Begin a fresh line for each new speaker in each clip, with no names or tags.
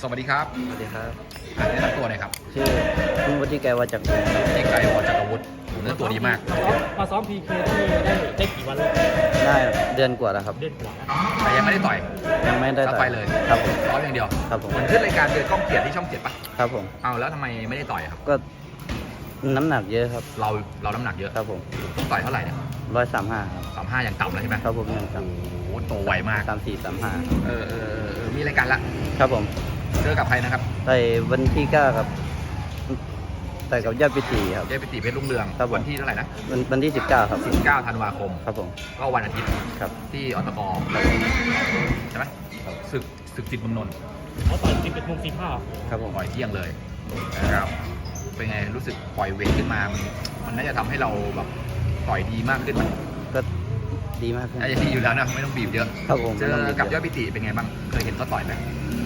สวัสดีครับ
สวัสดีครับ
แนะนำตัวหน่อยครับ
ชื่อคุณวุฒิไกรวัจจากรครับ
ที่ไกลวอจักรวุฒิเนื้อตัวดีมาก
มาซ้อมพีเคที่ได้กี่วันแล้ว
ได้เดือนกว่าแล้วครับ
เดือนกว่าแล้ว
แต่ยังไม่ได้ต่อย
ยังไม่ได้
ต่อยเลย
ครับผม
ซ้อมอย่างเดียว
ครับผม
เหมือนขึ้นรายการเดือนก้องเกียรติที่ช่องเกียรติปะ
ครับผม
เอาแล้วทำไมไม่ได้ต่อยครับ
ก็น้ำหนักเยอะครับ
เราน้ำหนักเยอะ
ครับผม
ต้องต่อยเท่าไหร่เนี่ย
135ครับ
35อย่างต่ำแล้วใช่ไหม
ครับผมยัง
โอ้
ต่
โหโตไวมาก
34 35
มีรายการละ
ครับผม
เจอกับใครนะครับ
ต่อยวันที่9ครับต่อยกับยอดปิติครับ
ยอดปิติเพชรรุ่งเรืองวันที่เท่าไหร่นะ
วันที่19ครับ
19 ธันวาคม
ครับผม
ก็วันอาทิตย์
ครับ
ที่อตกใช่ไหมศึกจิตเมืองนนท์
เขาต่อย11:45
ครับผม
ปล่อยเที่ยงเลยนะครับเป็นไงรู้สึกปล่อยเวทขึ้นมามันน่าจะทำให้เราแบบต่อยดีมากขึ้นไหม
ก็ดีมากขึ้น
น่าจะดีอยู่แล้วนะไม่ต้องบีบเยอะ
ครับผม
เจอกับยอดปิติเป็นไงบ้างเคยเห็นเขาต่อยไหม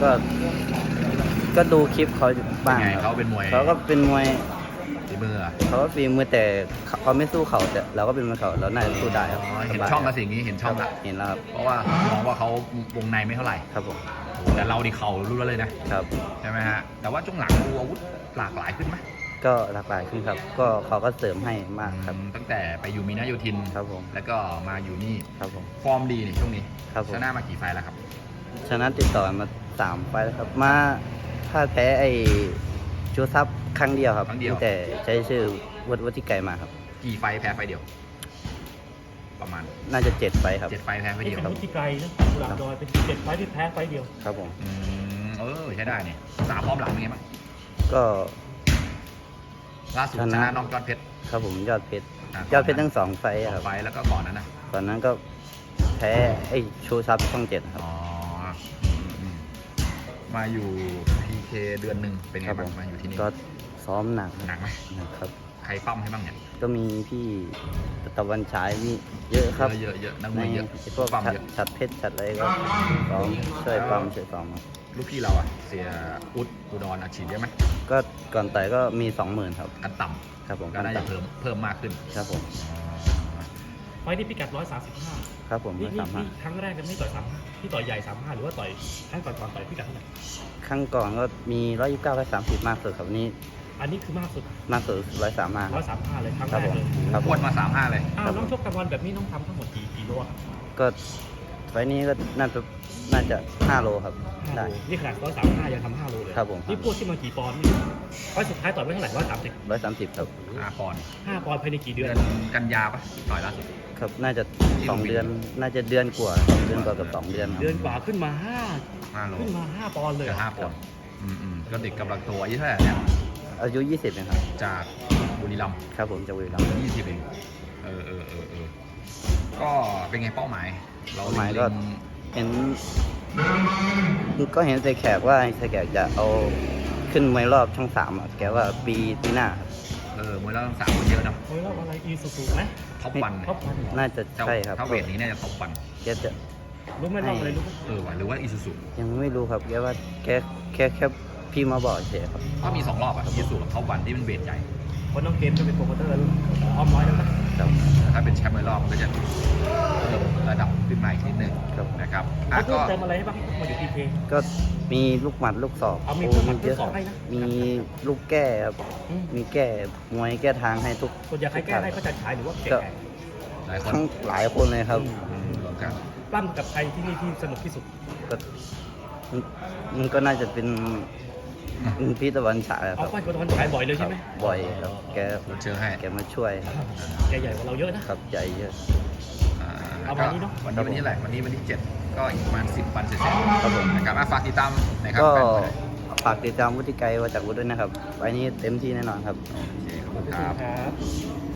ก็ดูคลิปเขาบ้าง
เขาเป็นมวย
เขาก็เป็นมวย
ฝีมือ
เขาก็ฝีมือแต่เขาไม่สู้เขาแต่เราก็เป็นมวยเขาเราน่าจะสู้ได้ครับ
เห็นช่องกระสิ่งนี้เห็นช่องละ
เห็นแล้วครับ
เพราะว่ามองว่าเขาวงในไม่เท่าไหร่
ครับผม
แต่เราดิเข่ารู้แล้วเลยนะครับใช่ไหมฮะแต่ว่าช่วงหลังดูอาวุธหลากหลายขึ้นไหม
ก็หลากหลายขึ้นครับก็เขาก็เสริมให้มากครับ
ตั้งแต่ไปอยู่มีนาโยธิน
ครับผม
แล้วก็มาอยู่นี่
ครับผม
ฟอร์มดีนี่ช่วงนี้
ครับผม
ชนะมากี่ไฟแล้วครับ
ชนะติดต่อมา3 ไฟแล้วครับมาถ้าแพ้ไอ้ชูซับครั้งเดียวครับแต่ใช้ชื่อวัฒิไกรมาครับ
กี่ไฟแพ้ไฟเดียวประมาณ
น่าจะ7 ไฟครับ
7 ไฟแพ้ไฟเดียว
ครับวุฒิไกรนะกุหลาบดอยเป็น7 ไฟที่แพ้ไฟเดียว
ครับผม
ใช้ได้เนี่ย3 รอบหลังเป็นไงบ้าง
ก็
ล่าสุดชนะน้องยอดเพชร
ครับผมยอดเพชรทั้ง2 ไฟครับ
ไฟแล้วก็ก่อนนั้นนะ
ก่อนนั้นก็แพ้ไอ้ชูซับช่อง 7ครับ
มาอยู่พีเคเดือนหนึ่งเป็นไงบ้างมาอยู่ที่นี่
ก็ซ้อมหนัก
ไหม
ครับ
ใครปั้มให้บ้างเนี่ย
ก็มีพี่ตะวันฉายมีเยอะครับ
เยอะนักมวยเยอะ
พวกชัดเพชรชัดอะไรก็ซ้อมช่วยปั้มช่วยซ้อม
ลูกพี่เราเสียอุดรอาชีพเยอะไหม
ก็ก่อนต่อยก็มี 20,000ครับ
กันต่ำ
ครับผม
ก็น่าจะเพิ่มมากขึ้น
ครับผม
ไฟที่พิกัด135
ครับผม
นี่ครั้งแรกจะไม่ต่อย35ที่ต่อยใหญ่35หรือว่าต่อยครั้งก่อนต่อยพิกัดเท่าไหร่
ครั้งก่อนก็มี129 130มากสุดครับนี้
อันนี้คือมากสุด
135
เลยครั้งแรกเลย
พวดมา35เลย
น้องชกกลางวันแบบนี้ต้องทำทั้งหมดกี่โลครับ
ก็ไฟนี้ก็น่าจะ5 โลครับ
ได้นี่ขนาด135ยังทำ5 โลเลย
ครับผม
นี่พวดที่มากี่ปอนด์ไฟสุดท้ายต่อยไว้เท่าไหร่
130ครับ
5 ปอนด์
ภายในกี่เดือน
กันยาปะต่อยล่าสุด
ครับน่าจะ2 เดือนน่าจะเดือนกว่ากับ2 เดือน
เดือนกว่าขึ้นมา5 ปอนด์เลย
5 ปอนด์ก็เด็กกำลังโตอายุเท่าไหร่เนี่ย
อายุ20เองครับ
จากบุรีรัมย์
ครับผมจากบุรีรัมย์
20เองก็เป็นไงเป้าหมาย
ก็เห็นเสแขกว่าเสแขกจะเอาขึ้นมวยรอบช่อง3แกว่าปีหน้าม
วยรอบช่อง3มันเยอะนะ
มวยรอบอะไรอีซูซูไหม
ท็อปวัน
น่าจะใช่ครับ
ถ้าเวทนี้น่าจะท็อปวัน
แกจะ
รู้ไหมรอบอะไรรู้
ไหมหรือว่าอีซูซู
ยังไม่รู้ครับแกว่าแค่พี่มาบอกเฉยครับ
ก็มี2 รอบอีซูซูกับท็อปวันที่เป็นเวทใหญ่
เพราะน้องเกมจะเป็นโปรโมเตอร์อ้อมน้อยแล้วนะ
ถ้าเป็นแชมป์มวยรอบมันก็จะเพิ่มระดับขึ้นมาอีกนิดนึงนะครับ
ก็เติมอะไรให้บ้างมาอยู่พีเค
ก็มีลูกหมัดลูกศอก
มีลูกหมัดลูกศอกให้นะ
มีลูกแก้ครับมีแก้มวยแก้ทางให้ทุก
ส่วนใหญ่ใครแก้ให้ก็จะฉายหรือว่าแก้
หลายคนเลยครับ
ปั้มกับใครที่นี่ที่สนุกที่สุด
มันก็น่าจะเป็นพี่ตะวันฉายครับ
ปั้นกับตะวันฉายบ่อยเลยใช่ไหม
บ่อยครับแก
เจอให้
แกมาช่วย
แกใหญ่กว่าเราเยอะนะครับ
ใหญ่เยอะ
วันนี้เนาะ
วันนี้แหละวันที่7ก็อีกประมาณ10 วันเสร็จครับผมนะครับฝากติดตามนะครับ
ก็ฝากติดตามวุฒิไกรวัจจากวุฒิด้วยนะครับไว้นี้เต็มที่แน่นอนครับ
โอเคขอบคุณครับ